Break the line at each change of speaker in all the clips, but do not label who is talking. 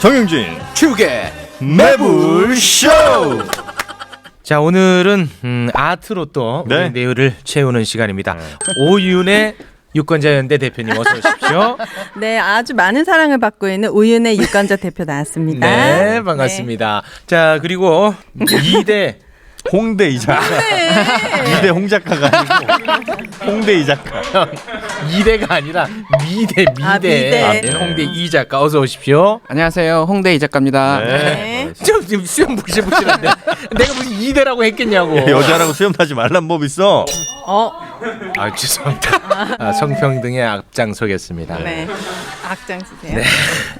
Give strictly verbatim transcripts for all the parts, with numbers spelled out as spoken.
정영진
축의
매불쇼.
자, 오늘은 음, 아트로 또
네.
우리 내일을 채우는 시간입니다. 오윤의 유권자연대 대표님 어서 오십시오.
네, 아주 많은 사랑을 받고 있는 오윤의 유권자 대표 나왔습니다.
네, 반갑습니다. 자, 그리고 이 대
홍대 이 작가. 이 대 홍 작가가 아니고 홍대 이 작가.
이 대가 아니라 미대 미대,
아, 미대.
아, 네, 홍대 이 작가 어서 오십시오.
안녕하세요, 홍대 이 작가입니다.
네.
네.
좀 지금 수염 부실부실한데 내가 무슨 이 대라고 했겠냐고.
여자라고 수염 타지 말란 법 있어.
어,
아, 죄송합니다. 아, 성평등에 앞장서겠습니다.
네. 악장 쓰세요.
네.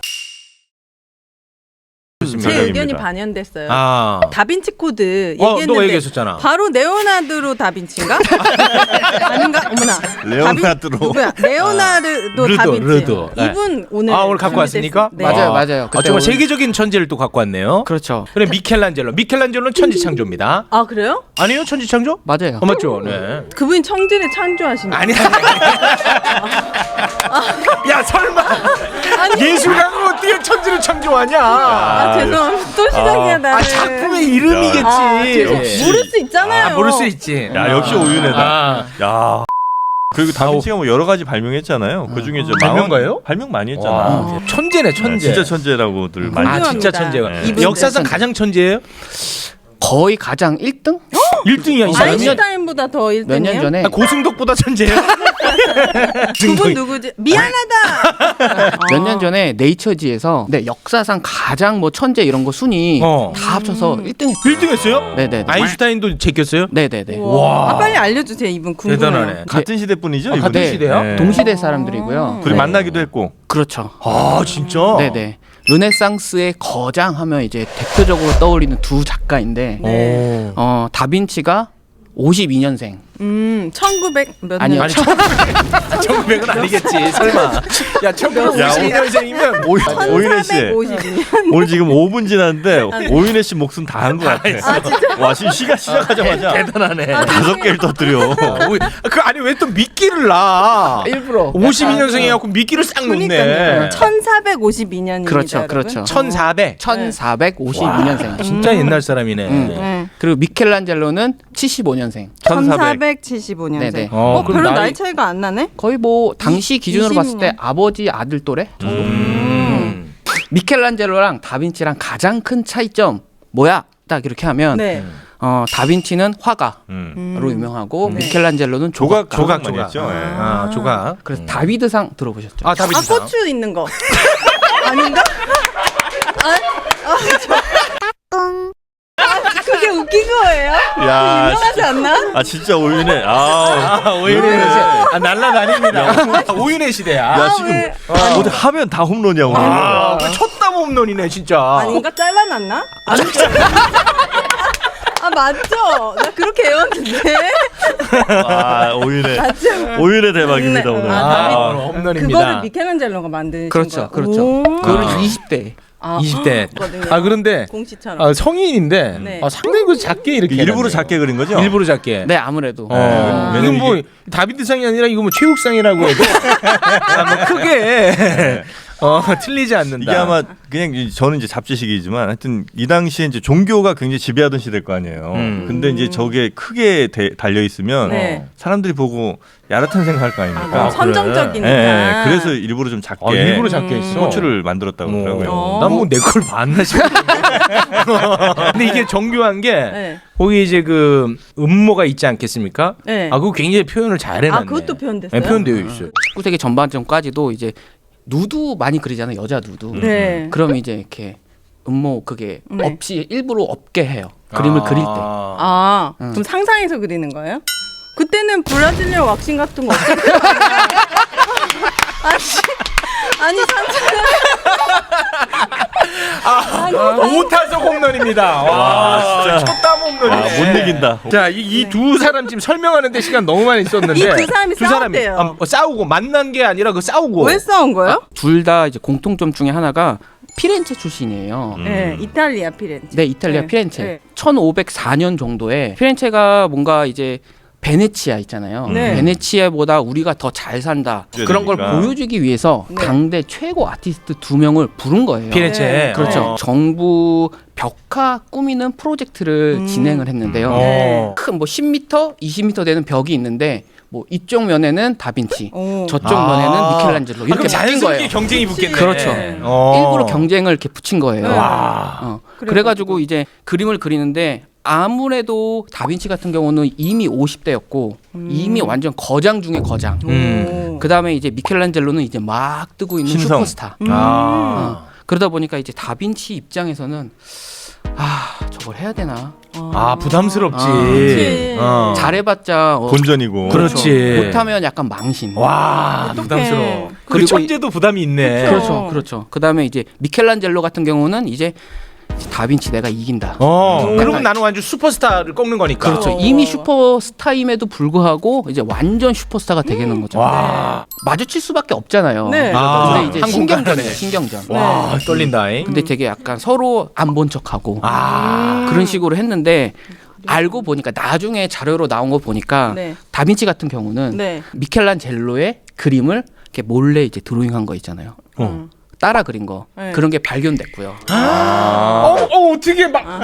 제 의견이 반영됐어요.
아,
다빈치 코드
어,
얘기했는데
너가 얘기했었잖아.
바로 레오나르도 다빈치인가? 아닌가? 어머나.
레오나르도.
다빈- 누구야? 레오나르도
르도,
다빈치.
르도. 네.
이분 오늘
아, 오늘 갖고 왔습니까?
네.
맞아요,
아,
맞아요.
아,
그때
정말
오늘-
세계적인 천재를 또 갖고 왔네요.
그렇죠.
그래, 미켈란젤로. 미켈란젤로는 천지창조입니다.
아, 그래요?
아니에요, 천지창조?
맞아요.
어, 맞죠? 네.
그분이 청진을 창조하신
아니, 아니. 야, 설마. 예술가는 어떻게 천지를 창조하냐?
아, 죄송합니다. 또 시작이야, 나는.
아, 작품의 이름이겠지.
아, 죄송-
역시.
모를 수 있잖아요.
아, 모를 수 있지.
야 역시 오윤혜다.
아.
야. 그리고 다빈치가 뭐 여러 가지 발명했잖아요. 그 중에 저
발명가예요?
발명 많이 했잖아.
와, 천재네,
네,
천재.
진짜 천재라고들 많이.
아,
했죠.
진짜 천재가.
네.
이분
역사상
천재.
가장 천재예요?
거의 가장 일 등?
일 등이야, 이 사람이.
아인슈타인보다 더 일 등이에요?
몇 년 전에
아, 고승덕보다 천재예요?
그분 누구지? 미안하다.
몇 년 전에 네이처지에서 네, 역사상 가장 뭐 천재 이런 거 순위
어.
다 합쳐서 일 등 했어요.
일 등 했어요?
네네네.
아인슈타인도 제꼈어요?
네네네.
와. 아, 빨리 알려주세요. 이분 궁금해요.
대단하네.
같은 시대 분이죠.
아,
이분이?
같은 시대요?
네.
동시대 사람들이고요.
둘이
네.
만나기도 했고.
그렇죠.
아, 진짜?
네네. 르네상스의 거장 하면 이제 대표적으로 떠올리는 두 작가인데
오.
어 다빈치가 오십이 년생.
음, 천구백 몇 년?
아니요.
아니, 천구백은 아니겠지, 설마. 야, 천구백오십이 년생이면
오, 오윤혜 씨.
천사백오십이 년.
오늘 지금 오 분 지났는데 오윤혜 씨 목숨 다 한 것 같아. 와 지금 시가 시작하자마자
대단하네.
다섯 개를 터뜨려.
오, 그 아니 왜 또 미끼를 놔?
일부러.
오십이 년생이 갖고 미끼를 싹 놓네.
그러니까요. 천사백오십이 년입니다.
그렇죠, 그렇죠.
천사백.
천사백오십이 년생.
진짜 옛날 사람이네.
음.
네.
그리고 미켈란젤로는 칠십오 년생.
천사백칠십오 년생.
네네.
어,
어,
그럼
별로
나이-
나이 차이가 안 나네?
거의 뭐 당시 기준으로 봤을 때
이십 년.
아버지 아들 또래 정도.
음.
미켈란젤로랑 다빈치랑 가장 큰 차이점 뭐야? 딱 이렇게 하면
네.
어, 다빈치는 화가로
음.
유명하고
네.
미켈란젤로는
조각
조각.
조각 많이 했죠. 예.
아, 조각.
그래서 다비드상 들어보셨죠?
아, 다비드.
아, 고추 있는 거. 아닌가? 아, 아, 저... 아, 그게 웃긴 거예요?
야,
유명하지 않나?
아 진짜 오윤혜. 아,
아, 오윤혜
네.
시대. 아, 날라다닙니다. 오윤혜 시대야.
야 지금
왜?
어디 하면 다 홈런이야 오늘.
아, 그 쳤다 홈런이네, 진짜.
아닌가? 잘라놨나? 아니, 아, 맞죠? 나 그렇게 외웠는데.
아 오윤혜.
맞죠?
오윤혜 대박입니다
네.
오늘.
아,
아,
다비드.
홈런입니다.
그거를 미켈란젤로가 만드신
그렇죠,
거예요?
그렇죠.
오.
그거를
아.
이십 대.
아,
이십 대.
거든요.
아, 그런데
공시처럼.
아, 성인인데
네.
아, 상당히 그 작게 이렇게
일부러
해놨네요.
작게 그린 거죠?
일부러 작게.
네, 아무래도.
어,
네.
이건
왜냐면
뭐
이게-
다비드상이 아니라 이거 뭐 최욱상이라고 해도 아, 뭐 크게 어, 틀리지 않는다.
이게 아마 그냥 이- 저는 이제 잡지식이지만 하여튼 이 당시에 이제 종교가 굉장히 지배하던 시대일 거 아니에요.
음.
근데 이제 저게 크게 대- 달려 있으면
네.
사람들이 보고 야릇한 생각할 거
아,
아닙니까?
너무
그래.
선정적이니까.
예, 예. 그래서 일부러 좀 작게
아, 일부러 작게
음.
했어.
호출을 만들었다고 그러더라고요.
어.
난뭐 내 걸 봤나 싶어. 근데 이게 정교한 게
네.
거기 이제 그 음모가 있지 않겠습니까?
네.
아, 그거 굉장히 표현을 잘 해놨네.
아, 그것도 표현됐어요?
네, 표현되어 있어요.
십구 세기 전반전까지도 이제 누드 많이 그리잖아요. 여자 누드.
네.
그러면 이제 이렇게 음모 그게
네.
없이 일부러 없게 해요. 그림을
아.
그릴 때.
아,
음.
그럼 상상해서 그리는 거예요? 그때는 브라질리언 왁싱 같은 거 없었어요? 아니, 아니 상상.
오타석 홈런입니다. 와,
진짜.
첫담 홈런이네.
아, 못 이긴다.
자, 이 두 사람 지금 설명하는데 시간 너무 많이 썼는데
이 두 사람이 싸웠대요.
아, 어, 싸우고 만난 게 아니라 그 싸우고.
왜 싸운 거예요?
둘 다 이제 공통점 중에 하나가 피렌체 출신이에요.
음.
네, 이탈리아 피렌체.
네, 이탈리아
네.
피렌체.
네.
천오백사 년 정도에 피렌체가 뭔가 이제 베네치아 있잖아요.
네.
베네치아보다 우리가 더 잘 산다. 그런 걸
그러니까.
보여주기 위해서
네.
당대 최고 아티스트 두 명을 부른 거예요.
피레체.
네.
그렇죠.
어.
정부 벽화 꾸미는 프로젝트를
음.
진행을 했는데요.
어.
큰 뭐 십 미터, 이십 미터 되는 벽이 있는데 뭐 이쪽 면에는 다빈치,
오.
저쪽
아.
면에는 미켈란젤로
아,
이렇게
그럼
바뀐
자연스럽게
거예요.
경쟁이 붙겠네.
그렇죠.
어.
일부러 경쟁을 이렇게 붙인 거예요.
네.
와.
어.
그래가지고.
그래가지고 이제 그림을 그리는데 아무래도 다빈치 같은 경우는 이미 오십 대였고
음.
이미 완전 거장 중에 거장.
음.
그 다음에 이제 미켈란젤로는 이제 막 뜨고 있는
신성.
슈퍼스타.
음.
아.
어. 그러다 보니까 이제 다빈치 입장에서는 아 저걸 해야 되나?
아 부담스럽지.
아,
그치.
어.
잘해봤자 어,
본전이고.
그렇지.
못하면 약간 망신.
와
어떡해.
부담스러워. 그리고
그리고
천재도 부담이 있네.
그쵸.
그렇죠, 그렇죠. 그 다음에 이제 미켈란젤로 같은 경우는 이제 다빈치 내가 이긴다.
어.
음.
그러면 나는 완전 슈퍼스타를 꺾는 거니까.
그렇죠.
어.
이미 슈퍼스타임에도 불구하고 이제 완전 슈퍼스타가 되겠는 거죠.
와.
마주칠 수밖에 없잖아요.
네.
아,
근데 이제
한국
신경전이에요.
가네.
신경전.
와 떨린다잉.
근데 되게 약간 서로 안 본 척하고
아.
그런 식으로 했는데 알고 보니까 나중에 자료로 나온 거 보니까
네.
다빈치 같은 경우는
네.
미켈란젤로의 그림을 이렇게 몰래 이제 드로잉한 거 있잖아요.
음.
따라 그린 거
네.
그런 게 발견됐고요.
어, 어 어떻게 막. 어,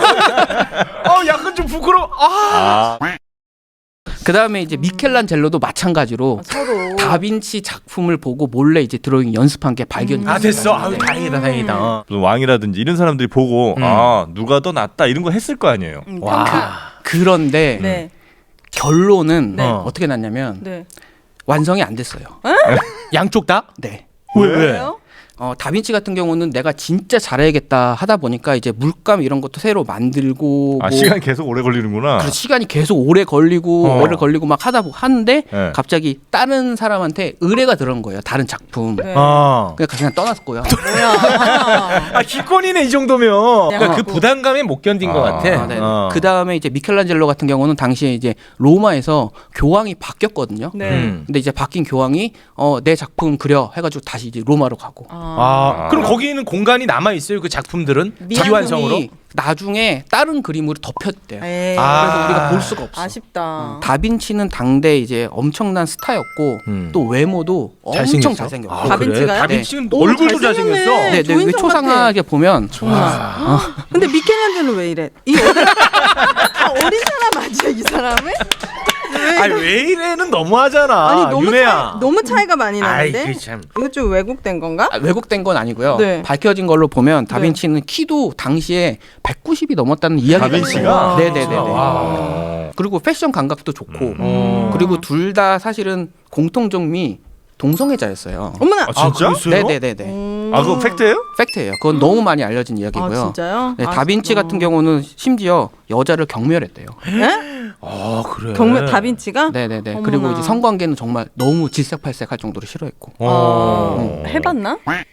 어 약간 좀 부끄러워. 아.
아,
그 다음에 이제 미켈란젤로도 마찬가지로
아, 서로.
다빈치 작품을 보고 몰래 이제 드로잉 연습한 게 발견이
아 됐어. 아유
네.
다행이다 다행이다. 어.
무슨 왕이라든지 이런 사람들이 보고
음.
아 누가 더 낫다 이런 거 했을 거 아니에요.
음,
와.
그런데
네.
결론은
네.
어. 어떻게 났냐면
네.
완성이 안 됐어요.
양쪽 다?
네.
왜 왜?
왜요?
어, 다빈치 같은 경우는 내가 진짜 잘해야겠다 하다 보니까 이제 물감 이런 것도 새로 만들고
아
뭐
시간 계속 오래 걸리는구나.
그래서 시간이 계속 오래 걸리고
어.
오래 걸리고 막 하다 보 하는데
네.
갑자기 다른 사람한테 의뢰가 들어온 거예요. 다른 작품.
네.
어.
그냥 그냥 떠났고요.
뭐야?
아 기권이네 이 정도면. 그러니까 그
어.
부담감에 못 견딘
아.
것 같아.
아, 네.
어.
그 다음에 이제 미켈란젤로 같은 경우는 당시에 이제 로마에서 교황이 바뀌었거든요.
네.
음.
근데 이제 바뀐 교황이 어, 내 작품 그려 해가지고 다시 이제 로마로 가고.
아,
아.
그럼 거기는 공간이 남아 있어요 그 작품들은
미완성으로?
비완성으로.
작품이 나중에 다른 그림으로 덮였대요.
에이.
아.
그래서 우리가 볼 수가 없어.
아쉽다.
다빈치는 당대 이제 엄청난 스타였고
음.
또 외모도 엄청 잘생겼고.
아,
다빈치가요?
그래? 다빈치는
오,
얼굴도
잘생겼네.
잘생겼어.
네, 네, 왜
조인성
초상하게 보면
정말. 근데 미켈란젤로 왜 이래? 이 어린, 아, 어린 사람 아니야 이 사람은?
아니 왜 이래는 너무하잖아.
아니 너무
윤혜야.
차이, 너무 차이가 많이
아이
나는데.
그 참.
이거 좀 왜곡된 건가?
아, 왜곡된 건 아니고요.
네.
밝혀진 걸로 보면 다빈치는 키도 당시에 백구십이 넘었다는 이야기가
다빈치가?
있어요. 네네네.
와.
그리고 패션 감각도 좋고
음.
그리고 둘 다 사실은 공통점이 동성애자였어요.
어머나.
아 진짜?
그랬어요?
네네네네.
음.
아 그거 팩트예요?
팩트예요. 그건 너무 많이 알려진
아
이야기고요.
진짜요?
네,
아,
다빈치
어.
같은 경우는 심지어 여자를 경멸했대요.
예?
아 그래.
경매 다빈치가?
네네네.
어머나.
그리고 이제 성관계는 정말 너무 질색팔색할 정도로 싫어했고.
어.
어, 해봤나?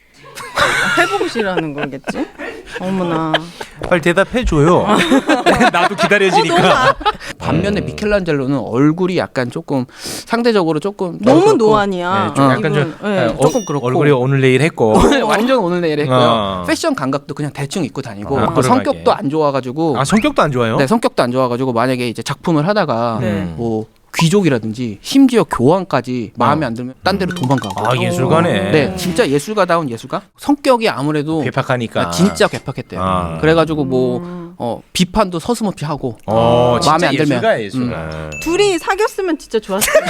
해보고 싶라는 거겠지? 어머나.
빨리 대답해 줘요. 나도 기다려지니까.
반면에 미켈란젤로는 얼굴이 약간 조금 상대적으로 조금
너무
그렇고
노안이야.
네, 좀 약간 좀
이분, 네.
어,
조금 그렇고.
얼굴이 오늘 내일 했고.
완전 오늘 내일 했고요.
어.
패션 감각도 그냥 대충 입고 다니고
아,
그
그러게.
성격도 안 좋아가지고
아 성격도 안 좋아요?
네 성격도 안 좋아가지고 만약에 이제 작품을 하다가
네.
뭐 귀족이라든지 심지어 교황까지 마음에 안 들면 딴 데로 도망가고.
아 예술가네.
네, 진짜 예술가다운 예술가. 성격이 아무래도
괴팍하니까.
진짜 괴팍했대요.
아.
그래가지고 뭐
음.
어, 비판도 서슴없이 하고.
어, 진짜
마음에 안 들면.
예술가 예술가.
둘이 사귀었으면 진짜 좋았을 텐데.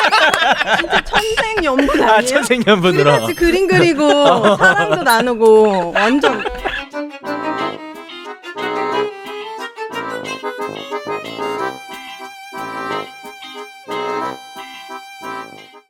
진짜 천생연분 아니에요?
아
둘이
천생연분으로.
같이 그림 그리고 사랑도 나누고 완전